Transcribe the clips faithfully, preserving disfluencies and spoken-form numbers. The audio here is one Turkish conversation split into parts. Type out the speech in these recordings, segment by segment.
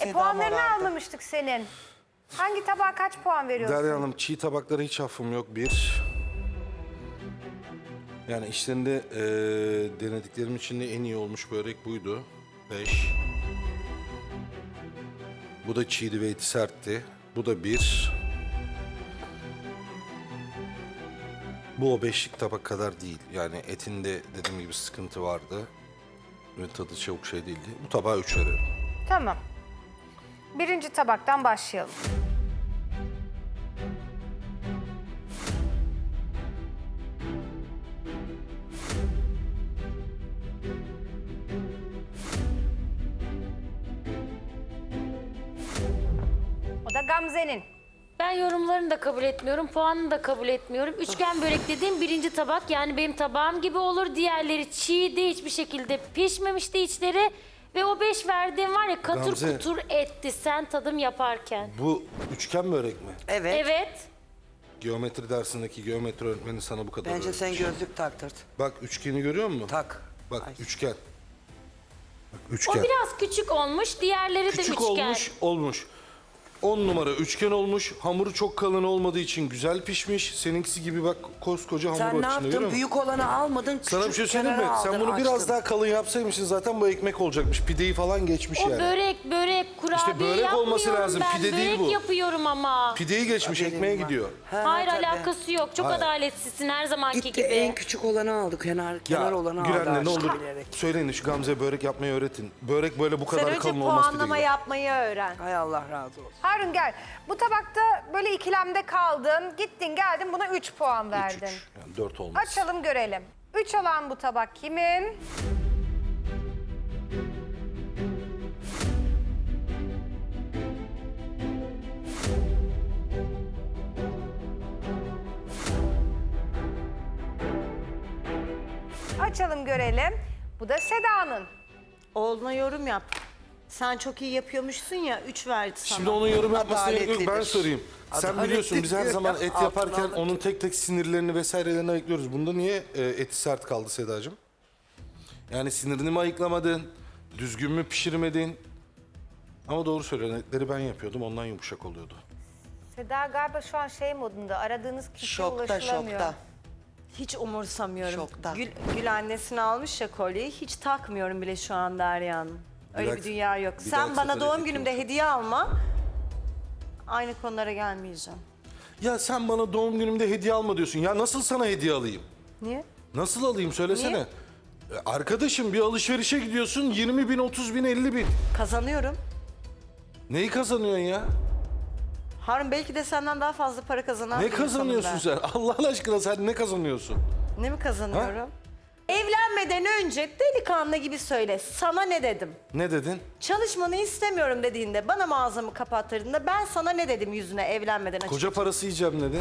Seda puanlarını morardı. almamıştık senin. Hangi tabağa kaç puan veriyorsun? Derya Hanım, çiğ tabaklara hiç affım yok. Bir. Yani işlerinde eee denediklerim içinde en iyi olmuş börek buydu. Beş. Bu da çiğdi ve eti sertti. Bu da bir. Bu o beşlik tabak kadar değil. Yani etinde dediğim gibi sıkıntı vardı. Ve tadı çok şey değildi. Bu tabağa üç veriyorum. Tamam. Birinci tabaktan başlayalım. O da Gamze'nin. Ben yorumlarını da kabul etmiyorum, puanını da kabul etmiyorum. Üçgen börek dediğim birinci tabak, yani benim tabağım gibi olur. Diğerleri çiğdi, hiçbir şekilde pişmemişti içleri. Ve o beş verdiğim var ya, katır Gamze. kutur etti sen tadım yaparken. Bu üçgen börek mi? Evet. Evet. Geometri dersindeki geometri öğretmeni sana bu kadar Bence sen öğretmiş. gözlük taktırt. Bak üçgeni görüyor musun? Tak. Bak Ay. üçgen. Bak O üçgen. biraz küçük olmuş, diğerleri de Küçük üçgen. olmuş, olmuş. On numara üçgen olmuş. Hamuru çok kalın olmadığı için güzel pişmiş. Seninkisi gibi bak koskoca hamur Sen var ne içinde, görüyor yaptın? musun? Büyük olanı almadın. Sana bir küçük şey söyleyeyim mi? kenara Sen aldın, bunu biraz açtın. daha kalın yapsaymışsın zaten bu ekmek olacakmış. Pideyi falan geçmiş O yani. börek, börek, kurabiye börek yapmıyorum olması lazım, ben. pide değil börek bu. yapıyorum ama. Pideyi geçmiş, Haberim ekmeğe var. gidiyor. Ha, Hayır, tabii. alakası yok. Çok Hayır. adaletsizsin her zamanki Gitti gibi. en küçük olanı aldı. Kenar, kenar olanı aldı. Gülen'le ne aşkım olur bilerek. söyleyin şu Gamze'ye börek yapmayı öğretin. Börek böyle bu Sen kadar önce kalın olmaz pide puanlama gibi. yapmayı öğren. Hay Allah razı olsun. Harun gel. Bu tabakta böyle ikilemde kaldın. Gittin geldin buna üç puan Üç, verdin. üç. Yani dört olmaz. Açalım görelim. Üç olan bu tabak kimin? Açalım görelim. Bu da Seda'nın. Oğluna yorum yap. Sen çok iyi yapıyormuşsun ya, üç verdi sana. Şimdi onun yorum yapmasına gerek yok. Ben Adaletlidir. sorayım. Sen Adaletli biliyorsun biz her diyor zaman ya, et altına yaparken aldık. onun tek tek sinirlerini vesairelerini ayıklıyoruz. Bunda niye e, eti sert kaldı Sedacığım? Yani sinirini mi ayıklamadın? Düzgün mü pişirmedin? Ama doğru söylüyorsun. Etleri ben yapıyordum. Ondan yumuşak oluyordu. Seda galiba şu an şey modunda. Aradığınız kişiye Şokta ulaşılamıyor. şokta. Hiç umursamıyorum. Şokta. Gül, Gül annesine almış ya kolyeyi, hiç takmıyorum bile şu an Derya'nın. Öyle dahaki- bir dünya yok. bir Sen dahaki bana sefere doğum et günümde olsun. hediye alma. Aynı konulara gelmeyeceğim. Ya sen bana doğum günümde hediye alma diyorsun. Ya nasıl sana hediye alayım? Niye? Nasıl alayım söylesene. Niye? E, Arkadaşım bir alışverişe gidiyorsun yirmi bin, otuz bin, elli bin. Kazanıyorum. Neyi kazanıyorsun ya? Harun belki de senden daha fazla para kazanan Ne bir insanım kazanıyorsun ben. sen? Allah aşkına sen ne kazanıyorsun? Ne mi kazanıyorum? Evlenmeden önce delikanlı gibi söyle. Sana ne dedim? Ne dedin? Çalışmanı istemiyorum dediğinde, bana mağazamı kapattırdığında ben sana ne dedim yüzüne evlenmeden açık? Koca parası yiyeceğim dedin.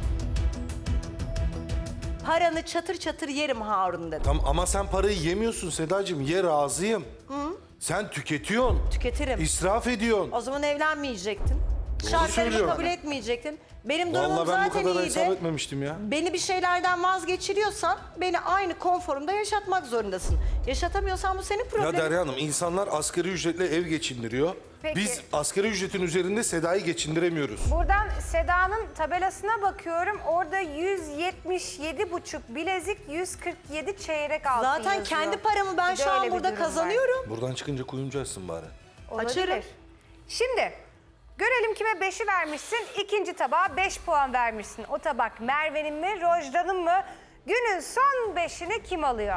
Paranı çatır çatır yerim Harun dedim. Tamam ama sen parayı yemiyorsun Sedacığım. Ye razıyım. Sen tüketiyorsun. Tüketirim. İsraf ediyorsun. O zaman evlenmeyecektin. Şartlarımı söylüyorum. kabul etmeyecektin. Benim durumum Vallahi ben bu zaten kadar hesap iyiydi. etmemiştim ya. Beni bir şeylerden vazgeçiriyorsan beni aynı konforumda yaşatmak zorundasın. Yaşatamıyorsan bu senin Ya problemin. Derya Hanım insanlar asgari ücretle ev geçindiriyor. Peki. Biz asgari ücretin üzerinde Seda'yı geçindiremiyoruz. Buradan Seda'nın tabelasına bakıyorum. Orada yüz yetmiş yedi buçuk bilezik, yüz kırk yedi çeyrek altın Zaten yazıyor. kendi paramı ben Bir de şu öyle an bir burada durum var. kazanıyorum. Buradan çıkınca kuyumcu açsın bari. Olabilir. Açarım. Şimdi görelim kime beşi vermişsin. İkinci tabağa beş puan vermişsin. O tabak Merve'nin mi, Rojda'nın mı? Günün son beşini kim alıyor?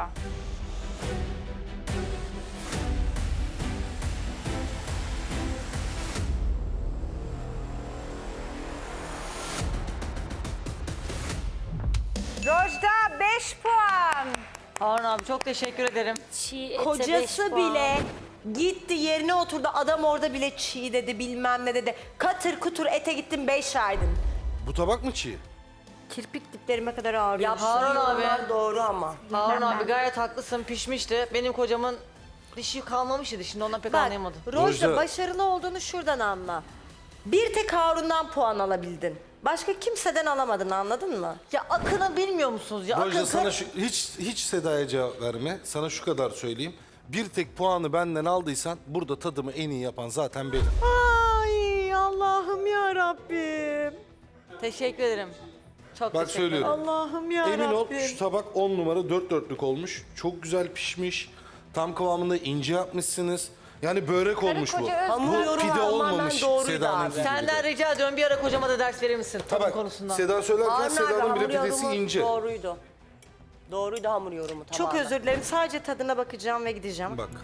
Rojda beş puan. Harun abi çok teşekkür ederim. Çiğ ete beş Kocası puan. bile gitti yerine oturdu. Adam orada bile çiğ dedi, bilmem ne dedi. Katır kutur ete gittin, beş verdin. Bu tabak mı çiğ? Kirpik diplerime kadar ağrıyor. Ya Harun abi. Yorumlar doğru ama. Harun abi gayet haklısın, pişmişti. Benim kocamın dişi kalmamıştı şimdi, ondan pek Bak, anlayamadım. Rojda Rojda- başarılı olduğunu şuradan anla. Bir tek Harun'dan puan alabildin. Başka kimseden alamadın, anladın mı? Ya Akın'ı bilmiyor musunuz ya? Rojda Akın sana kar- şu, hiç hiç Seda'ya cevap verme. Sana şu kadar söyleyeyim. Bir tek puanı benden aldıysan burada tadımı en iyi yapan zaten benim. Ay Allah'ım ya Rabbim. Teşekkür ederim. Çok Bak teşekkür ederim. söylüyorum. Allah'ım ya Emin ol Rabbim. şu tabak on numara dört dörtlük olmuş. Çok güzel pişmiş. Tam kıvamında ince yapmışsınız. Yani börek olmuş bu. koca öz- Bu Hamuru pide tamamen olmamış doğruydu Seda'nın abi. dediği Senden gibi. rica ediyorum bir ara kocama da ders verir misin tadım Tabak konusunda? Seda söylerken Harun abi Seda'nın bile hamur pidesi yorumu ince. doğruydu. Doğruydu hamur yorumu Çok tamamen. özür dilerim. Sadece tadına bakacağım ve gideceğim. Bak.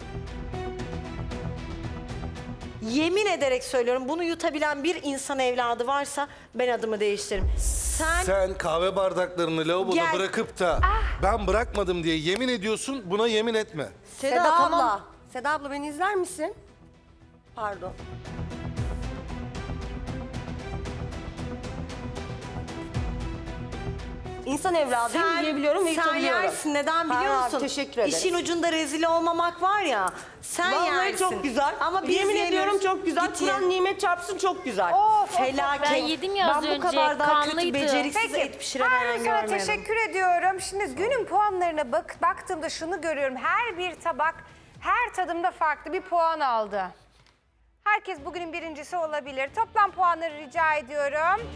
Yemin ederek söylüyorum, bunu yutabilen bir insan evladı varsa ben adımı değiştiririm. Sen, Sen kahve bardaklarını lavaboda Gel. bırakıp da ben bırakmadım diye yemin ediyorsun, buna yemin etme. Seda, Seda, abla. tamam. Seda abla beni izler misin? Pardon. İnsan evladıyım, yiyebiliyorum ve sen yutabiliyorum. yersin. Neden Harun biliyor abi, musun? teşekkür ederim. İşin ucunda rezil olmamak var ya. Sen Vallahi yersin. çok güzel. Ama biz yemin yeriz. ediyorum çok güzel. Git ye. Kur'an nimet çarpsın çok güzel. Of, of, of. Felaket. Ben yedim ya az Ben bu önce, kadar daha kötü kanlıydı. beceriksiz et Peki, pişiren ben Harun sana görmedim. teşekkür ediyorum. Şimdi günün puanlarına bak, baktığımda şunu görüyorum. Her bir tabak, her tadımda farklı bir puan aldı. Herkes bugünün birincisi olabilir. Toplam puanları rica ediyorum.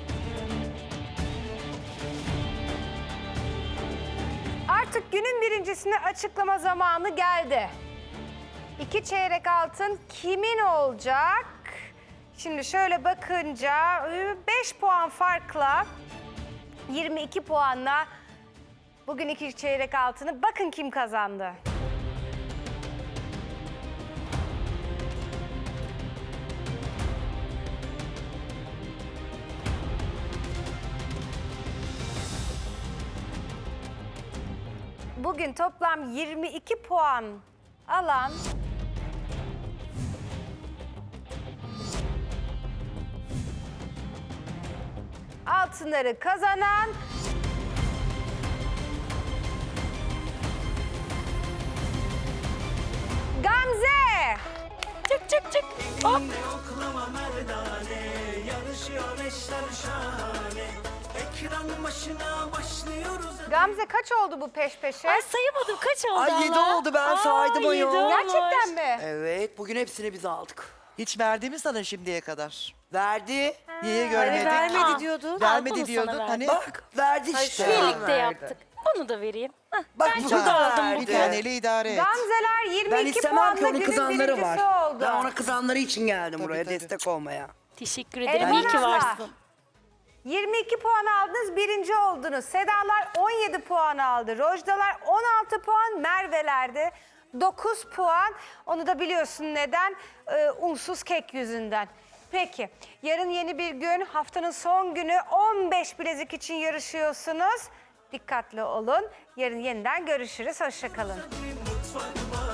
Artık günün birincisini açıklama zamanı geldi. İki çeyrek altın kimin olacak? Şimdi şöyle bakınca beş puan farkla yirmi iki puanla bugün iki çeyrek altını bakın kim kazandı. Bugün toplam yirmi iki puan alan altınları kazanan Gamze. Çık çık çık. Hop. Yoklama merdane, yarışıyor eşler şahane. Ekran başına başlıyoruz. Gamze kaç oldu bu peş peşe? Ay sayamadım kaç oldu Ay yedi Allah? oldu, ben Aa, saydım yedi ayol. olmuş. Gerçekten mi? Evet, bugün hepsini biz aldık. Hiç verdi mi sana şimdiye kadar? Verdi. Niye Hani görmedik? vermedi Aa. diyordu. Al, Vermedi bunu diyordun. sana Hani Bak, verdi işte. Birlikte yaptık. Bunu da vereyim. Hah, Bak, ben bu çok da aldım verdi. bir bugün. taneli idare et. Gamzeler yirmi Ben iki istemem puanla ki onun günün kızanları birincisi var. oldu. Ben ona kızanları için geldim buraya tabii. destek olmaya. Teşekkür ederim. Elvan İyi ki abla, varsın. yirmi iki puan aldınız, birinci oldunuz. Sedalar on yedi puan aldı. Rojdalar on altı puan, Merve'lerde dokuz puan. Onu da biliyorsun neden? Ee, unsuz kek yüzünden. Peki, yarın yeni bir gün, haftanın son günü on beş bilezik için yarışıyorsunuz. Dikkatli olun. Yarın yeniden görüşürüz. Hoşça kalın. Mutfak var.